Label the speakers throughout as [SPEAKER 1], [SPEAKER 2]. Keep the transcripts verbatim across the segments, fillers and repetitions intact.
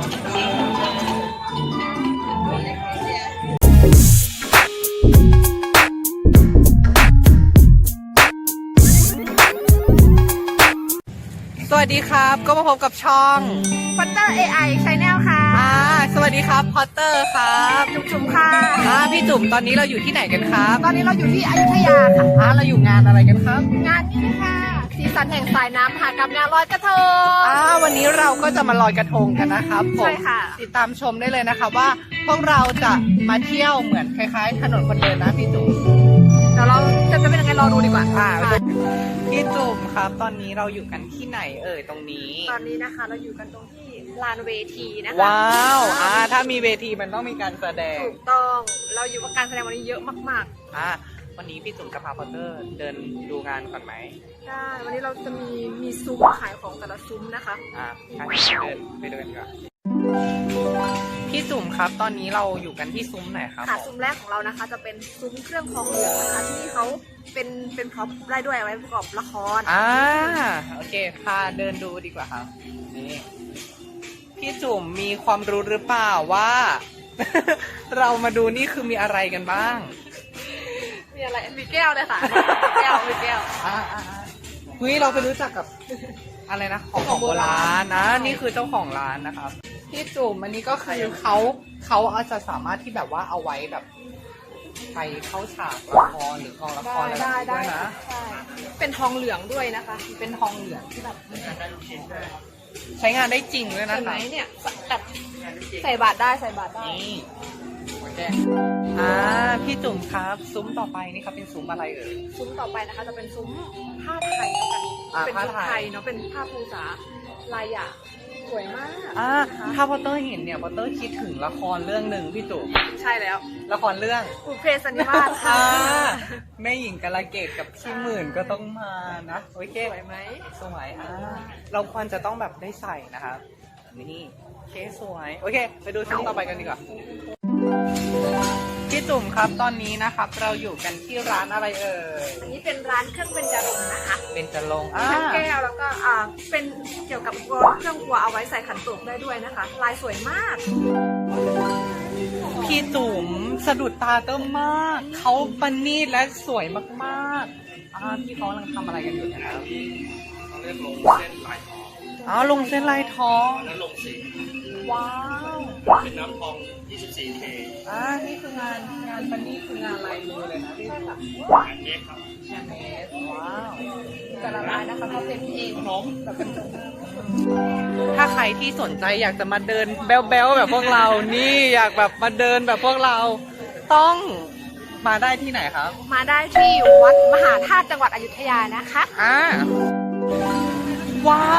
[SPEAKER 1] สวัสดีครับก็มาพบกับช่อง
[SPEAKER 2] Potter เอ ไอ Channel ค่ะ
[SPEAKER 1] อ่าสวัสดีครับพอตเตอร์ครับ
[SPEAKER 2] จุ๋มจุ๋มค่ะ
[SPEAKER 1] อ่าพี่จุ๋มตอนนี้เราอยู่ที่ไหนกันครับ
[SPEAKER 2] ตอนนี้เราอยู่ที่อยุธยาค่ะ
[SPEAKER 1] อ่าเราอยู่งานอะไรกันครับ
[SPEAKER 2] งานนี้นะคะสีสันแห่งสายน้ำค่ะกับงานลอยกระทง
[SPEAKER 1] อ่าวันนี้เราก็จะมาลอยกระทงกันนะครับผม
[SPEAKER 2] ใช่ค่ะ
[SPEAKER 1] ติดตามชมได้เลยนะครับว่าพวกเราจะมาเที่ยวเหมือนคล้ายๆถนนคนเดินนะพี่จุ๋ม
[SPEAKER 2] เดี๋ยวเราจะเป็นยังไงรอดูดีกว่า
[SPEAKER 1] อ่า
[SPEAKER 2] ค่ะ
[SPEAKER 1] พี่จุ๋มครับ ตอนนี้เราอยู่กันที่ไหนเอ่ยตรงนี้
[SPEAKER 2] ตอนนี้นะคะเราอยู่กันตรงที่ลานเวทีนะคะ
[SPEAKER 1] ว้าวอ่าถ้ามีเวทีมันต้องมีการแสดง
[SPEAKER 2] ถูกต้องเราอยู่กับการแสดงวันนี้เยอะมาก
[SPEAKER 1] อ่าวันนี้พี่จุ๋มจะพาพอตเตอร์เดินดูงานก่อนไหม
[SPEAKER 2] ๆได้วันนี้เราจะมีมีซุ้มขายของแต่ละซุ้มนะคะ
[SPEAKER 1] อ่ะงั้นเดินไปเดินดีกว่าพี่จุ๋มครับ ตอนนี้เราอยู่กันที่ซุ้มไหนครับ
[SPEAKER 2] ค่ะซุ้มแรกของเรานะคะ จะเป็นซุ้มเครื่องทองเหลืองนะคะที่เขาเป็นเป็นพร็อพได้ด้วยเอาไว้ประกอบละคร
[SPEAKER 1] อ่าโอเคพาเดินดูดีกว่าครับนี่พี่จุ๋มมีความรู้หรือเปล่าว่า เรามาดูนี่คือมีอะไรกันบ้าง
[SPEAKER 2] มีอะไรมีแก้วเลยค่ะมีแก้วมีแก้ว
[SPEAKER 1] อ่าอ่าอ่าเฮ้ยเราไปรู้จักกับ อะไรนะของของโบราณนะนี่คือเจ้าของร้านนะครับพี่จุ๋มอันนี้ก็คือเขาเขาอาจจะสามารถที่แบบว่าเอาไว้แบบไปเข้าฉากละครหรือกองละครอะไรแบบนี้ด้วยนะ
[SPEAKER 2] ใช่เป็นทองเหลืองด้วยนะคะ
[SPEAKER 1] เป็นทองเหลืองที่แบบใช้งานได้จริงด้วยนะ
[SPEAKER 2] เห็นไหม
[SPEAKER 1] คะ
[SPEAKER 2] เนี่ยแบบใส่บาตรได้ใส่บาตรได้
[SPEAKER 1] นี่โอเคอ่าพี่จุ๋มครับซุ้มต่อไปนี่ครับเป็นซุ้มอะไรเอ่ย
[SPEAKER 2] ซุ้มต่อไปนะคะจะเป็นซุ้มผ้าไทยแล้วกัน
[SPEAKER 1] อ่า
[SPEAKER 2] เป็น
[SPEAKER 1] ผ้า
[SPEAKER 2] ชุด
[SPEAKER 1] ไทย
[SPEAKER 2] ไทยเนาะเป็นผ้าภูษาลายหยางสวยมาก
[SPEAKER 1] อ่า
[SPEAKER 2] นะคะ
[SPEAKER 1] ถ้าพอตเตอร์เห็นเนี่ยพอตเตอร์คิดถึงละครเรื่องหนึ่งพี่จุ๋ม
[SPEAKER 2] ใช่แล้ว
[SPEAKER 1] ละครเรื่อง
[SPEAKER 2] บุพเพสันนิวาสค่ะ
[SPEAKER 1] อ่าแม่หญิงกาลเกตกับพี่หมื่นก็ต้องมานะโอเค
[SPEAKER 2] สวยไหม
[SPEAKER 1] สวยอ่าเราควรจะต้องแบบได้ใส่นะครับนี่โอเคสวยโอเค ไปดูช่องต่อไปกันดีกว่าพี่จุ๋มครับตอนนี้นะครับ เราอยู่กันที่ร้านอะไรเอ่ย
[SPEAKER 2] อันนี้เป็นร้านเครื่องเบญจรงค์นะคะ
[SPEAKER 1] เป็นจะลง
[SPEAKER 2] มี
[SPEAKER 1] อ่า
[SPEAKER 2] ทั้งแก้วแล้วก็อ่าเป็นเกี่ยวกับกรเครื่องครัวเอาไว้ใส่ขันโตกได้ด้วยนะคะ ลายสวยมาก
[SPEAKER 1] พี่จุ๋มสะดุดตาเติมมากเขาปณีตและสวยมากๆอ่าพี่เขากำลังทำอะไรกันอยู่นะครับ
[SPEAKER 3] เขาเรียกลงเส้นลายทอง
[SPEAKER 1] อ๋อลงเส้นลายทอง
[SPEAKER 3] แล้วลงสี
[SPEAKER 1] ว้าว
[SPEAKER 3] เป็นน้ำทอง ยี่สิบสี่ เค
[SPEAKER 1] อ่านี่คืองานงานปณีตคืองานลายมือเลยนะพี่จุ๋ม
[SPEAKER 3] แอนเอ็กครับ
[SPEAKER 1] แฮนด์เมดว้าว
[SPEAKER 2] แต่ละลายนะคะเขาเป็นเอง
[SPEAKER 3] ขนม
[SPEAKER 2] แบบเป็น
[SPEAKER 1] ถ้าใครที่สนใจอยากจะมาเดินแบ๊วๆแบบพวกเรา นี่อยากแบบมาเดินแบบพวกเรา ต้องมาได้ที่ไหนครับ
[SPEAKER 2] มาได้ที่วัดมหาธาตุจังหวัดอยุธยานะคะ
[SPEAKER 1] อ่า ว้าว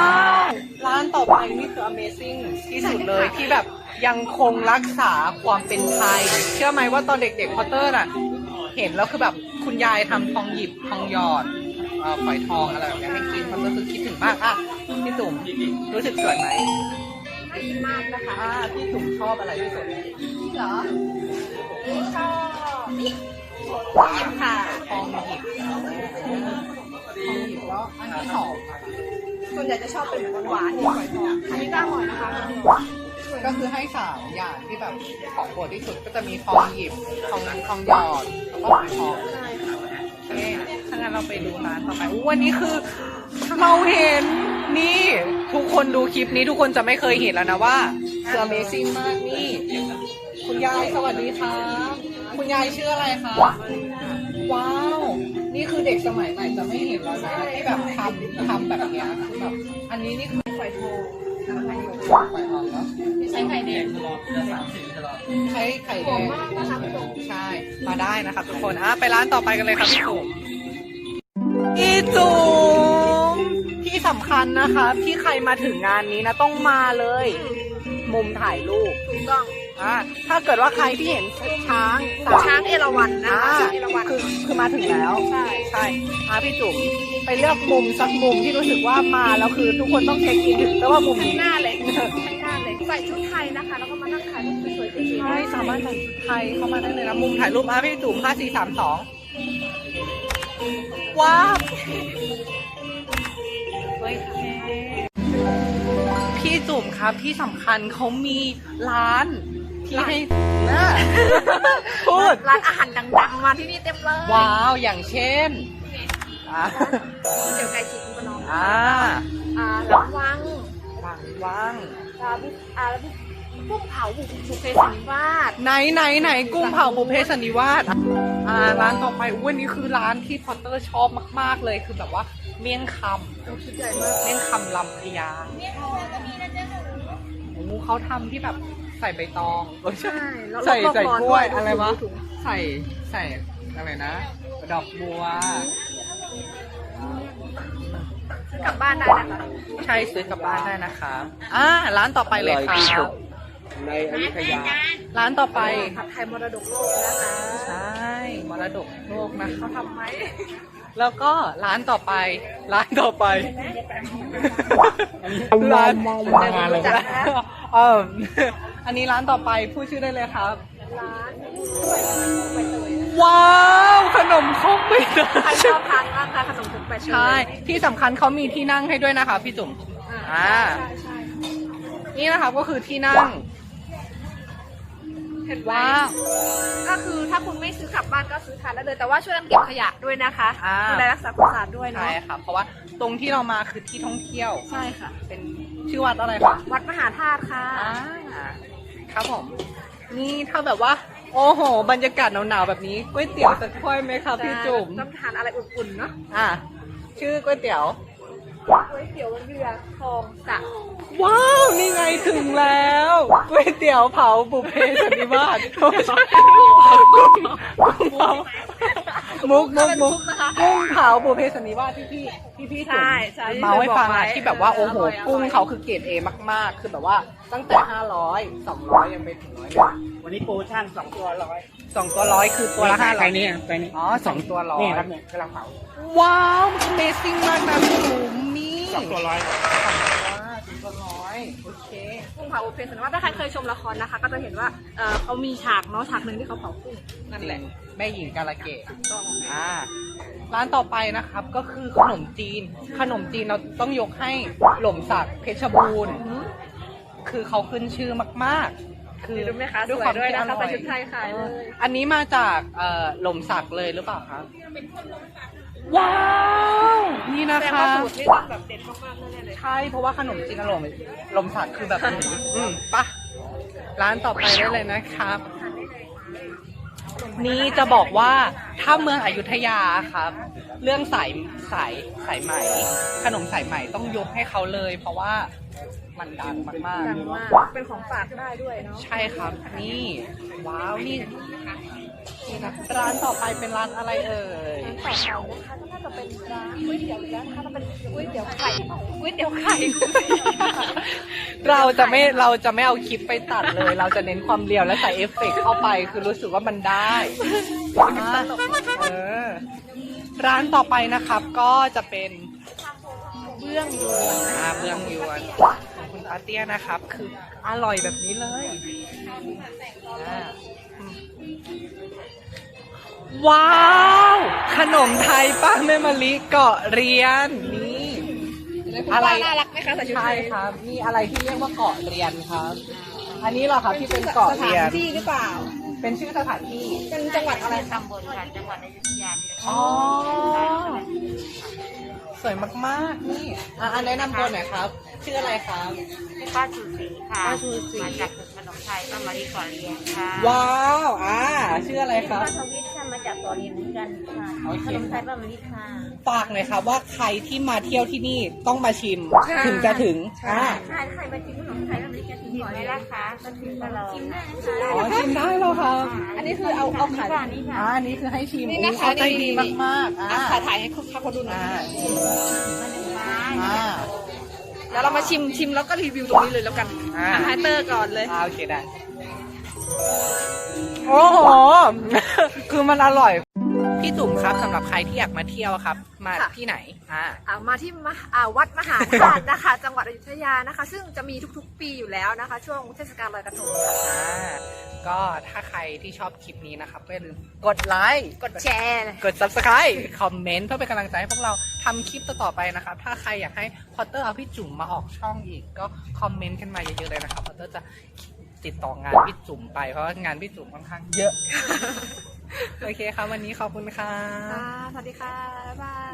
[SPEAKER 1] ร้านต่อไปนี่คือ Amazing ที่สุดเลยที่แบบยังคงรักษาความเป็นไทย เชื่อไหมว่าตอนเด็กๆพอตเตอร์น่ะ เห็นแล้วคือแบบคุณยายทำทองหยิบทองหยอดเอ่อฝอยทองอะไรแบบนี้ให้กินพอตเตอร์คือคิดถึงมากอ่ะพี่จุ๋มรู้สึกสวยไหม
[SPEAKER 2] น่ากินมากนะคะ
[SPEAKER 1] อ่าพี่จุ๋มชอบอะไรที่สุด
[SPEAKER 2] นี่เหรอนี่ชอบนี่หยิบค่ะ
[SPEAKER 1] ทองหยิบทองหยิบแล้วอันที่สอง
[SPEAKER 2] ส่วนใหญ่จะชอบเป็นหวานๆหยิบฝอยทองอันนี้ก็อร่อยนะคะ
[SPEAKER 1] ก็คือให้สามอย่างที่แบบของโปรดที่สุดก็จะมีทองหยิบทองทองหยอดแล้วก็ฝอยทอง
[SPEAKER 2] ใช่ค่ะ
[SPEAKER 1] โอเคถ้างั้นเราไปดูร้านต่อไปอู้วันนี้คือเราเห็นนี่ทุกคนดูคลิปนี้ทุกคนจะไม่เคยเห็นแล้วนะว่าคือ Amazing มากนี่ คุณยายสวัสดีครับคุณยายชื่ออะไรคะว้าว นี่คือเด็กสมัยใหม่จะไม่เห็นแล้วนะที่แบบทำทำแบบเนี้ยคือแบบอันนี้นี่คือ
[SPEAKER 2] ฝอยทอง
[SPEAKER 1] ฝอยทองเนาะ
[SPEAKER 2] ไม่ใช่ไข่แดง
[SPEAKER 3] ตลอดเดือนสามสิบตลอด
[SPEAKER 1] ใช้ไข่
[SPEAKER 2] ห
[SPEAKER 1] แด
[SPEAKER 2] อม
[SPEAKER 1] ง
[SPEAKER 2] มากนะคะพี่จุ๋ม
[SPEAKER 1] ใช่ มาได้นะครับทุกคนอ่ะไปร้านต่อไปกันเลยครับพี่จุ๋มพี่จุ๋มที่สำคัญนะคะที่ใครมาถึงงานนี้นะต้องมาเลย มุมถ่ายรูป
[SPEAKER 2] ถูกต้อง
[SPEAKER 1] อ่ะถ้าเกิดว่าใครที่เห็นช้างสม
[SPEAKER 2] ช้างเอราวัณนะ
[SPEAKER 1] อ่า
[SPEAKER 2] คะช้างเอราวัณ
[SPEAKER 1] คือคือมาถึงแล้ว
[SPEAKER 2] ใช่
[SPEAKER 1] ใช่อ่ะพี่จุ๋มไปเลือกมุมสักมุมที่รู้สึกว่ามาแล้วคือทุกคนต้องเช็คอินถึงแต่ว่ามุม
[SPEAKER 2] ข้าง
[SPEAKER 1] นี้
[SPEAKER 2] หน้าเลยข้างหน้าเลยใส่ชุดไทยนะคะ แล้วก็มานั่งถ่ายรูปสวยๆเก๋ๆ
[SPEAKER 1] ใช่สามารถใส่ชุดไทยเข้ามาได้เลยนะมุมถ่ายรูปอ่ะพี่จุ๋มห้าสี่สามสองว้าวเฮ้ยพี่พี่จุ๋มครับที่สำคัญเขามีร้านที่ให้น่าพูด
[SPEAKER 2] ร้านอาหารดังๆมาที่นี่เต็มเลย
[SPEAKER 1] ว้าวอย่างเช่นอ่า
[SPEAKER 2] เดี๋ยวไก่ฉีกคุณประนอม
[SPEAKER 1] อ่า
[SPEAKER 2] อ่าหลังวัง
[SPEAKER 1] ว่างว่าง
[SPEAKER 2] อ่าพี่อ่าแล้วพี่กุ้งเผาบุกบุฟเฟ่สันนิวาส
[SPEAKER 1] ไหนไหนไหนกุ้งเผาบุพเพสันนิวาสอ่าร้านต่อไปอุ้ยอันนี้คือร้านที่พอตเตอร์ชอบมากๆเลยคือแบบว่าเมี่ยงค
[SPEAKER 2] ชุดใหญ่มาก
[SPEAKER 1] ำเมี่ยงคำลำพญาโอ้โหเขาทำที่แบบใส่ใบตองเออใช่
[SPEAKER 2] แล้ว
[SPEAKER 1] ใส่
[SPEAKER 2] รอบๆ
[SPEAKER 1] ใส่
[SPEAKER 2] ร้อน
[SPEAKER 1] กล้วย
[SPEAKER 2] ด้วย
[SPEAKER 1] อะไรวะ
[SPEAKER 2] ถุง
[SPEAKER 1] ใส่ใส่อะไรนะ ดอกบัว
[SPEAKER 2] ซื้อกลับบ้านได้นะคะ
[SPEAKER 1] ใช่ซื้อกลับบ้านได้นะครับอ่าร้านต่อไปเลยครับ
[SPEAKER 3] ในอยุธยา
[SPEAKER 1] ร้านต่อไป
[SPEAKER 2] ผัดไทยมรดกโลกนะคะ
[SPEAKER 1] ใช่มรดกโลกนะคะ
[SPEAKER 2] เขาทำไหม
[SPEAKER 1] แล้วก็ร้านต่อไป ร้านต่อไปร้าน
[SPEAKER 3] งานเลย
[SPEAKER 2] จักนะ
[SPEAKER 1] เอออันนี้ร้านต่อไปพูดชื่อได้เลยครับ
[SPEAKER 2] ร้านใบเตยนะ
[SPEAKER 1] ว้าวขนมครกใบเต
[SPEAKER 2] ใคร
[SPEAKER 1] ย
[SPEAKER 2] ชอบทานมากคะขนมครกใบเตย
[SPEAKER 1] ใช่ที่สำคัญเขามีที่นั่งให้ด้วยนะคะพี่จุ๋ม
[SPEAKER 2] อ่า
[SPEAKER 1] อ่า
[SPEAKER 2] ใช่ใช่
[SPEAKER 1] นี่นะคะก็คือที่นั่ง
[SPEAKER 2] เห็นไหม
[SPEAKER 1] ว้าว
[SPEAKER 2] ก็คือถ้าคุณไม่ซื้อกลับบ้านก็ซื้อทานได้เลย แต่ว่าช่วยกันเก็บขยะด้วยนะคะ
[SPEAKER 1] อ่า
[SPEAKER 2] ดูแลรักษาความสะอาดด้วยเนาะ
[SPEAKER 1] ใช่ค่ะ เพราะว่าตรงที่เรามาคือที่ท่องเที่ยว
[SPEAKER 2] ใช่ค่ะ
[SPEAKER 1] เป็นชื่อวัดอะไรคะ
[SPEAKER 2] วัดมหาธาตุค่ะ
[SPEAKER 1] อ่าครับผมนี่ถ้าแบบว่า โอ้โห บรรยากาศหนาวๆแบบนี้ก๋วยเตี๋ยวสักถ้วยไหมครับพี่จุ๋ม
[SPEAKER 2] ต้องทานอะไรอุ่นๆเนาะ
[SPEAKER 1] อ่ะชื่อก๋วยเตี๋ยว
[SPEAKER 2] ก๋วยเตี๋ยวเรือทองสะ
[SPEAKER 1] ว้าว นี่ไงถึงแล้วก๋วยเตี๋ยวเผาบุพเพสันนิวาสโอ้ใช่กุ้งเผามุกมุกมุกกุ้งเผาบุพเพสันนิวาสที่พี่ที่พี่จุ๋ม
[SPEAKER 2] ใช่ใช่
[SPEAKER 1] เมาให้ฟังอะที่แบบว่าโอ้โห
[SPEAKER 2] ร่ย
[SPEAKER 1] กุ้งเขาคือเกรดเอมากๆ คือแบบว่าตั้งแต่ห้าร้อยสองร้อยยังไปถึงร้อยเลย
[SPEAKER 3] วันนี้โปรโมชั่นสองตัวร้อย
[SPEAKER 1] สองตัวร้อยคือตัวละห้า
[SPEAKER 3] ใค
[SPEAKER 1] ร้
[SPEAKER 3] ร
[SPEAKER 1] อย
[SPEAKER 3] นี่ใครนี่
[SPEAKER 1] อ๋อสองตัวร้อย
[SPEAKER 3] นี่ครับเนี่ยกำลังเผา
[SPEAKER 1] ว้าว Amazing มากนะพี่จุ๋มนี่
[SPEAKER 3] สองตัวร้อย
[SPEAKER 1] สองตัวร้อยโอเค
[SPEAKER 2] กุ้งเผาบุฟเฟ่ต์สันนิวาสถ้าใครเคยชมละครนะคะ ก็จะเห็นว่าเออเขามีฉากเนาะฉากหนึ่งที่เขาเผากุ้ง
[SPEAKER 1] นั่นแหละ แม่หญิงกาลเกต
[SPEAKER 2] ต้อง
[SPEAKER 1] อ่าร้านต่อไปนะครับก็คือขนมจีน ขนมจีนเราต้องยกให้หล่มสักเพชรบูรณ์ คือเขาขึ้นชื่อมากๆ คือ
[SPEAKER 2] ดูไหมคะส
[SPEAKER 1] ด้วย
[SPEAKER 2] วย
[SPEAKER 1] ความ
[SPEAKER 2] ด้วย
[SPEAKER 1] ที่อ
[SPEAKER 2] นะคะ
[SPEAKER 1] ร่อ
[SPEAKER 2] ใส่
[SPEAKER 1] ย
[SPEAKER 2] ชุดไทยขายเลย
[SPEAKER 1] อันนี้มาจากเอ่อหล่มสักเลยหรือเปล่าครับว้าว นี่นะ
[SPEAKER 2] แต่
[SPEAKER 1] คะ
[SPEAKER 2] ว่าสูตรนี่ต้องแบบเด็ดมากๆแน่ๆเลย
[SPEAKER 1] ใช่เพราะว่าขนมจีนอร่อยหล่มสักคือแบบนี้อืมปะร้านต่อไปได้เลยนะครับ นี่จะบอกว่าถ้าเมืองอยุธยาครับ เรื่องสายสายสายไหม ขนมสายไหมต้องยกให้เขาเลย เพราะว่ามันดังมาก
[SPEAKER 2] ดังมากเป็นของฝากได้ด้วยเนาะ
[SPEAKER 1] ๆ ใช่ครับ นี่ ว้าวนี่นี่นะร้านต่อไปเป็นร้านอะไรเอ่ย
[SPEAKER 2] ร้านต่อไปนะคะก็น่าจะเป็นร้านก๋วยเตี๋ยวอีกแล้วนะคะจะเป็นก๋วยเตี๋ยวไข่ก๋วยเตี๋ยวไข่
[SPEAKER 1] เราจะไม่เราจะไม่เอาคลิปไปตัดเลย เราจะเน้นความเรียวและใส่เอฟเฟกต์เข้าไป คือรู้สึกว่ามันได้อ่ะเออร้านต่อไปนะครับ ก็จะเป็นเบื้องยวนอ่าเบื้องยวนของคุณอาเตี้ยนะครับ คืออร่อยแบบนี้เลยอ่าอืมว้าว ขนมไทยป้าแม่มะลิเกาะเรียนนี่ อะไร
[SPEAKER 2] น่ารักไหมคะใส่ชุด
[SPEAKER 1] ใช่
[SPEAKER 2] ไทย
[SPEAKER 1] ครับมีอะไรที่เรียกว่าเกาะเรียนครับ อันนี้เหรอครับที่เป็นเกาะ
[SPEAKER 2] สถา
[SPEAKER 1] เรีย
[SPEAKER 2] น
[SPEAKER 1] น
[SPEAKER 2] ที่หรือเปล่า
[SPEAKER 1] เป็นชื่อสถานที่
[SPEAKER 2] เป็นจังหวัดอะไร
[SPEAKER 4] ตำบลค่ะจังหวัดอยุธยานี่แหละ
[SPEAKER 1] อ๋อสวยมากๆนี่อ่ะอันแนะนำตัวหน่อยครับ ชื่ออะไรครับ
[SPEAKER 4] ชื่อป้าชูศรีค่ะ
[SPEAKER 1] ป้าชูศรี
[SPEAKER 4] มาจากขนมไทยป้ามารีก่อนเรียนค่ะ
[SPEAKER 1] ว้าวอ่าชื่ออะไรครับ
[SPEAKER 4] ป้าทวิทย์ค่ะมาจากก่อนเรียนเหมือนกันค่ะ
[SPEAKER 1] โอเค
[SPEAKER 4] ขนมไทยป้ามารีค่ะ
[SPEAKER 1] ฝากหน่อยครับว่าใครที่มาเที่ยวที่นี่ต้องมาชิมถึงจะถึงอ่า
[SPEAKER 4] ใช่ใครมาชิมขนมไทยป้ามารีกันชิมก่อนเลยนะคะก็ชิมตลอดชิมได้นะคะ
[SPEAKER 1] อ๋อชิมได้เหรอครับ
[SPEAKER 2] อันนี้คือเอาเอาขาย
[SPEAKER 4] นี่ค่ะ
[SPEAKER 1] อ่าอันนี้คือให้ชิม
[SPEAKER 2] นี่
[SPEAKER 1] อุ๊
[SPEAKER 2] นะ
[SPEAKER 1] ย
[SPEAKER 2] คะ
[SPEAKER 1] เขาใจ
[SPEAKER 2] นี่
[SPEAKER 1] ดีมากๆอ่า
[SPEAKER 2] อ่ะถ่ายถ่ายให้เขาเขาดูหน่อย
[SPEAKER 1] อ่า
[SPEAKER 4] มาหนึ่งไม้
[SPEAKER 1] อ่า
[SPEAKER 2] แล้วเรามาชิมชิมแล้วก็รีวิวตรงนี้เลยแล้วกัน
[SPEAKER 1] อ่า
[SPEAKER 2] อ่ะไฮเตอร์ก่อนเลย
[SPEAKER 1] อ่าโอเคได้ โอ้โห คือมันอร่อยพี่จุ๋มครับสำหรับใครที่อยากมาเที่ยวครับ มา
[SPEAKER 2] ค่ะ
[SPEAKER 1] ที่ไหนอ่า
[SPEAKER 2] อ่ามาที่มหาอ่าวัดมหาธาตุนะคะ จังหวัดอยุธยานะคะ ซึ่งจะมีทุกๆ ปีอยู่แล้วนะคะ ช่วงเทศกาลลอยกระทงค่ะ
[SPEAKER 1] อ่าก็ถ้าใครที่ชอบคลิปนี้นะครับก็อย่าลืมกดไลค์
[SPEAKER 2] กดแชร์
[SPEAKER 1] กด subscribe คอมเมนต์เพื่อเป็นกำลังใจให้พวกเราทำคลิปต่อๆไปนะครับ ถ้าใครอยากให้พอตเตอร์เอาพี่จุ๋มมาออกช่องอีกก็คอมเมนต์กันมาเยอะๆเลยนะครับพอตเตอร์จะติดต่องานพี่จุ๋มไปเพราะว่างานพี่จุ๋มค่อนข้างเยอะ โอเคครับวันนี้ขอบคุณค่ะ
[SPEAKER 2] ค่ะสวัสดีค่ะ บ๊ายบาย